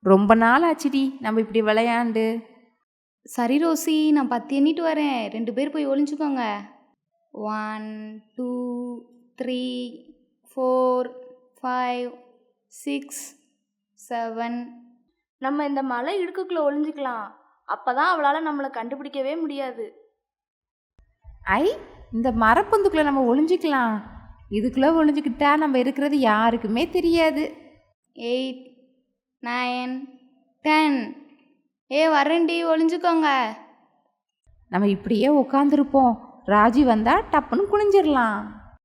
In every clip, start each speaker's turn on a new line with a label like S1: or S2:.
S1: ரொம்ப நாள் ஆச்சுடி நம்ம இப்படி விளையாண்டு.
S2: சரி ரோசி, நான் 10 எண்ணிட்டு வரேன். 2 பேர் போய் ஒளிஞ்சுக்கோங்க. 1 2 3 4 5 6 7.
S3: நம்ம இந்த மலை இடுக்குக்குள்ள ஒளிஞ்சுக்கலாம். அப்பதான் அவளால நம்மளை கண்டுபிடிக்கவே முடியாது.
S1: ஐ, இந்த மரப்பொந்துக்குள்ள நம்ம ஒளிஞ்சிக்கலாம். இதுக்குள்ள ஒளிஞ்சுக்கிட்டா நம்ம இருக்கிறது யாருக்குமே தெரியாது.
S2: 8 9 10. வரேன்டி, ஒளிஞ்சுக்கோங்க.
S1: நம்ம இப்படியே உட்காந்துருப்போம். ராஜி வந்தா டப்புன்னு குனிஞ்சிடலாம்.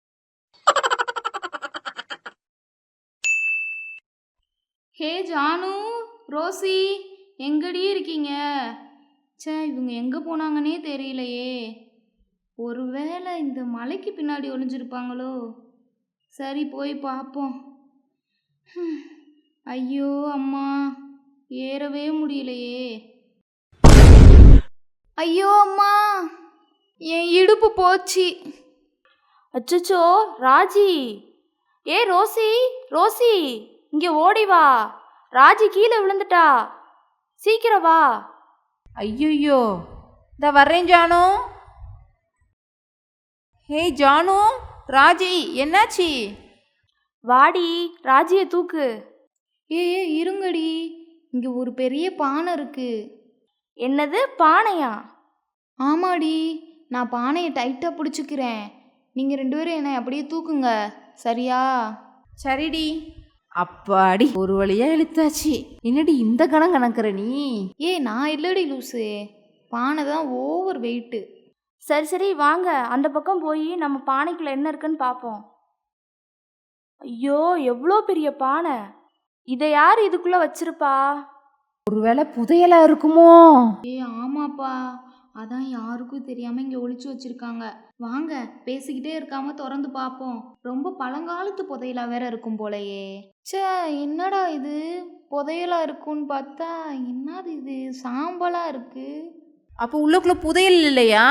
S2: ஹே ஜானு, ரோசி, எங்கடி இருக்கீங்க? இவங்க எங்கே போனாங்கன்னே தெரியலையே. ஒருவேளை இந்த மலைக்கு பின்னாடி ஒளிஞ்சிருப்பாங்களோ? சரி, போய் பார்ப்போம். ஐயோ அம்மா, ஏறவே முடியலையே. ஐயோ அம்மா, என் இடுப்பு போச்சு.
S3: அச்சச்சோ ராஜி! ரோசி, ரோசி, இங்கே ஓடி வா. ராஜி கீழே விழுந்துட்டா. சீக்கிரம் வா.
S1: ஐயோ, இந்த வர்றேன் ஜானு. ஹே ஜானு, ராஜி என்னாச்சு?
S3: வாடி, ராஜியை தூக்கு.
S2: இருங்கடி, இங்கே ஒரு பெரிய பானை இருக்கு.
S3: என்னது, பானையா?
S2: ஆமாடி, நான் பானையை டைட்டாக பிடிச்சிக்கிறேன். நீங்கள் 2 பேரும் என்னை அப்படியே தூக்குங்க, சரியா?
S1: சரிடி. அப்பாடி, ஒரு வழியா இழுத்தாச்சு. என்னடி இந்த கணம் கணக்குற நீ?
S2: நான் இல்லடி லூசு, பானை தான் ஓவர் வெயிட்டு.
S3: சரி சரி, வாங்க அந்த பக்கம் போய் நம்ம பானைக்குள்ள என்ன இருக்குன்னு பார்ப்போம். ஐயோ, எவ்வளோ பெரிய பானை! இதை யார் இதுக்குள்ள வச்சிருப்பா?
S1: ஒருவேளை புதையலா இருக்குமோ?
S2: ஆமாப்பா, அதான் யாருக்கும் தெரியாம இங்க ஒளிச்சு வச்சிருக்காங்க. வாங்க, பேசிக்கிட்டே இருக்காம திறந்து பார்ப்போம். ரொம்ப பழங்காலத்து புதையலா வேற இருக்கும் போலயே. என்னடா இது, புதையலா இருக்குன்னு பார்த்தா என்னது இது, சாம்பலா இருக்கு.
S1: அப்போ உள்ளுக்குள்ள புதையல் இல்லையா?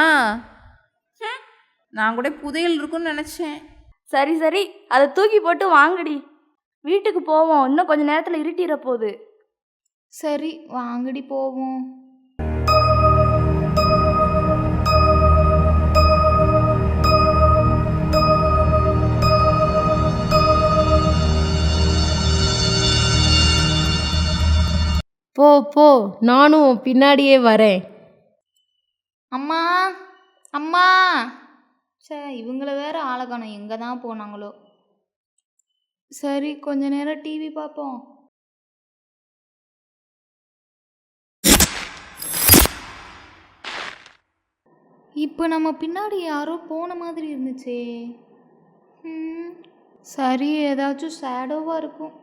S1: நான் கூட புதையல் இருக்குன்னு நினைச்சேன்.
S3: சரி சரி, அதை தூக்கி போட்டு வாங்கடி, வீட்டுக்கு போவோம். இன்னும் கொஞ்ச நேரத்தில் இருட்டிட போகுது.
S2: சரி வாங்கடி போவோம்.
S4: போ போ, நானும் பின்னாடியே வரேன்.
S2: அம்மா அம்மா, இவங்கள வேற ஆளக்கானம் எங்கே தான் போனாங்களோ. சரி, கொஞ்ச நேரம் டிவி பார்ப்போம். இப்போ நம்ம பின்னாடி யாரோ போன மாதிரி இருந்துச்சே. சரி, ஏதாச்சும் ஷேடோவாக இருக்கும்.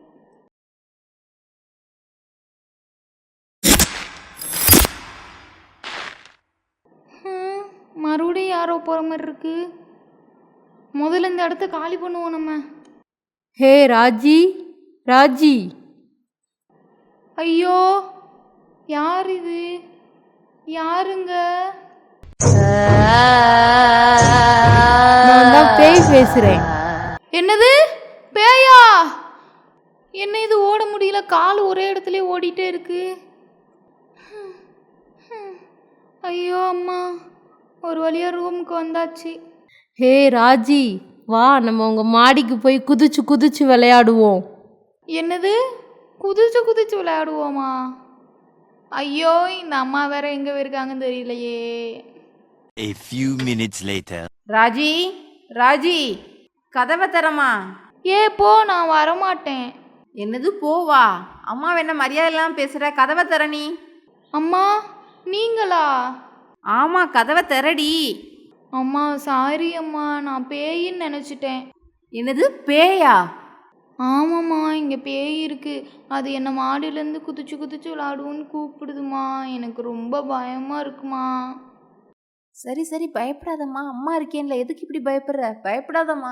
S2: மறுபடியும் யாரோ போகிற மாதிரி இருக்கு. முதல்ல இந்த இடத்த காலி பண்ணுவோம் நம்ம.
S4: ஹே ராஜி, ராஜி!
S2: ஐயோ, யார் இது? யாருங்க?
S4: நான் தான் பேய் பேசுறேன்.
S2: என்னது, பேயா? என்ன இது, ஓட முடியல, கால் ஒரே இடத்துல ஓடிட்டே இருக்கு. ஐயோ அம்மா, ஒரு வழியா ரூமுக்கு வந்தாச்சு.
S4: ஹே ராஜி, வா, நம்ம உங்க மாடிக்கு போய் குதிச்சு குதிச்சு விளையாடுவோம்.
S2: என்னது, குதிச்சு குதிச்சு விளையாடுவோமா? ஐயோ, இந்த அம்மா வேற எங்க இருக்காங்கன்னு தெரியலையே.
S5: A few minutes later.
S1: Raji, Raji, கதவை தரமா?
S2: போ, நான் வரமாட்டேன்.
S1: என்னது போவா? அம்மா என்ன மரியாதை இல்லாமல் பேசுற? கதவை தர நீ.
S2: அம்மா, நீங்களா?
S1: ஆமா, கதவை தரடி.
S2: அம்மா சாரி அம்மா, நான் பேயின்னு நினச்சிட்டேன்.
S1: என்னது, பேயா?
S2: ஆமாம்மா, இங்கே பேய் இருக்கு. அது என்னை மாடியிலேருந்து குதிச்சு குதிச்சு விளாடுவோன்னு கூப்பிடுதுமா. எனக்கு ரொம்ப பயமாக இருக்குமா.
S1: சரி சரி, பயப்படாதம்மா, அம்மா இருக்கேன்ல, எதுக்கு இப்படி பயப்படுற? பயப்படாதம்மா.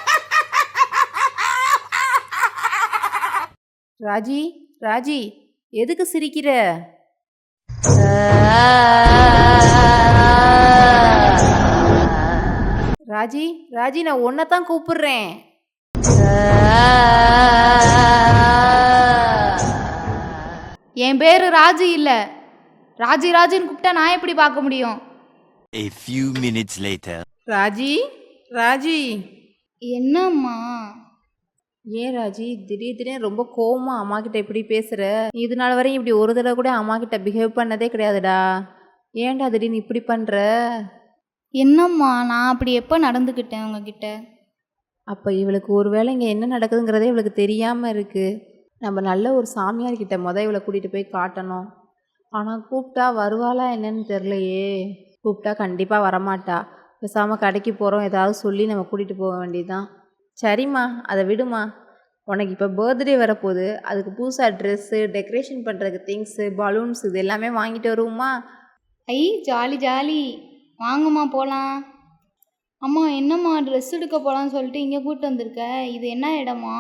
S1: ராஜி, ராஜி, எதுக்கு சிரிக்கிற? ராஜி, ராஜி, நான் உன்னைத்தான் கூப்பிடுறேன்.
S2: என் பேரு ராஜி இல்லை. ராஜி ராஜின்னு கூப்பிட்டா நான் எப்படி பார்க்க முடியும்?
S5: A few minutes later.
S1: Raji, Raji.
S2: என்னம்மா?
S1: ஏன் ராஜி திடீர்னு ரொம்ப கோவமா அம்மா கிட்ட இப்படி பேசுற? இது நாள் வரையும் இப்படி ஒரு தடவை கூட அம்மா கிட்ட பிஹேவ் பண்ணதே கிடையாதுடா. ஏன்டா திடீர்னு இப்படி பண்ற?
S2: என்னம்மா நான் அப்படி எப்போ நடந்துக்கிட்டேன் உங்ககிட்ட?
S1: அப்போ இவளுக்கு ஒருவேளை இங்கே என்ன நடக்குதுங்கிறதே இவளுக்கு தெரியாமல் இருக்குது. நம்ம நல்ல ஒரு சாமியார்கிட்ட இவளை கூட்டிகிட்டு போய் காட்டணும். ஆனால் கூப்பிட்டா வருவாளா என்னன்னு தெரிலையே. கூப்பிட்டா கண்டிப்பாக வரமாட்டா. பேசாமல் கடைக்கு போகிறோம் ஏதாவது சொல்லி நம்ம கூட்டிகிட்டு போக வேண்டியதுதான். சரிம்மா, அதை விடுமா. உனக்கு இப்போ பர்த்டே வரப்போகுது. அதுக்கு புதுசாக ட்ரெஸ்ஸு, டெக்கரேஷன் பண்ணுறதுக்கு திங்ஸு, பலூன்ஸ் இது எல்லாமே வாங்கிட்டு வருவோமா?
S2: ஐ ஜாலி ஜாலி, வாங்கம்மா போகலாம். அம்மா என்னம்மா ட்ரெஸ் எடுக்க போகலான்னு சொல்லிட்டு இங்கே கூப்பிட்டு வந்திருக்க? இது என்ன இடமா?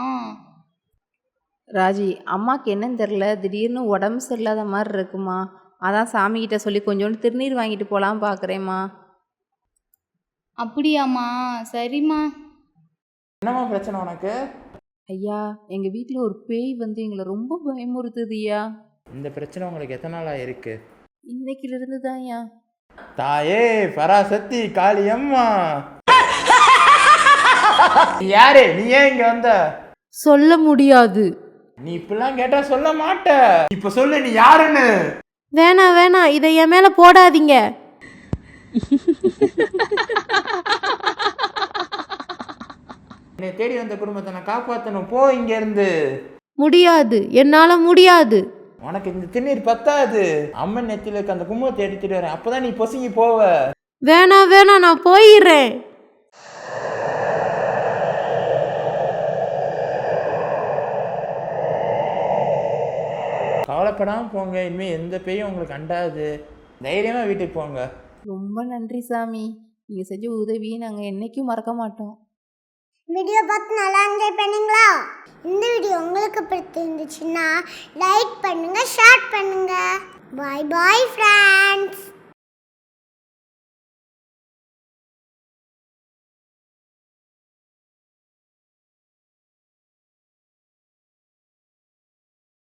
S1: ராஜி, அம்மாவுக்கு என்னன்னு தெரில, திடீர்னு உடம்பு சரியில்லாத மாதிரி இருக்குமா. அதான் சாமிக்கிட்ட சொல்லி கொஞ்சோண்டு திருநீர் வாங்கிட்டு போகலாம் பார்க்குறேம்மா.
S2: அப்படியாம்மா? சரிம்மா.
S6: என்னம்மா பிரச்சனை உனக்கு?
S1: ஐயா, எங்கள் வீட்டில் ஒரு பேய் வந்து எங்களை ரொம்ப பயமுறுத்துதுய்யா.
S6: இந்த பிரச்சனை உங்களுக்கு எத்தனை நாளாக இருக்கு?
S1: இன்னைக்கிலிருந்து தான்யா.
S6: தாயே பராசக்தி காளியம்மா, நீ யாரு? நீ ஏன் இங்க வந்த?
S4: சொல்ல முடியாது.
S6: நீ இப்பெல்லாம் கேட்டா சொல்ல மாட்ட. இப்ப சொல்லு நீ யாருன்னு.
S4: வேணாம் வேணாம், இதை என் மேல போடாதீங்க.
S6: என்னை தேடி வந்த குடும்பத்தை நான் காப்பாற்றணும். போ இங்க இருந்து.
S4: முடியாது, என்னால முடியாது.
S6: உனக்கு இந்த திருநீர் பத்தாது. அம்மன் நெத்தில இருக்க அந்த குங்குமத்தை எடுத்துட்டு வரேன், அப்பதான் நீ பொசுங்கி போவ.
S4: வேணாம் வேணாம், நான் போயிடுறேன்.
S6: கவலைப்படாம போங்க. இனிமே எந்த பேயும் உங்களுக்கு அண்டாது. தைரியமா வீட்டுக்கு போங்க.
S1: ரொம்ப நன்றி சாமி. நீங்கள் செஞ்ச உதவியை நாங்கள் என்றைக்கும் மறக்க மாட்டோம்.
S7: வீடியோ பார்த்து நல்லா என்ஜாய் பண்ணீங்களா? இந்த வீடியோ உங்களுக்கு பிடிச்சிருந்துச்சுன்னா லைக் பண்ணுங்க, ஷேர் பண்ணுங்க. Bye bye friends.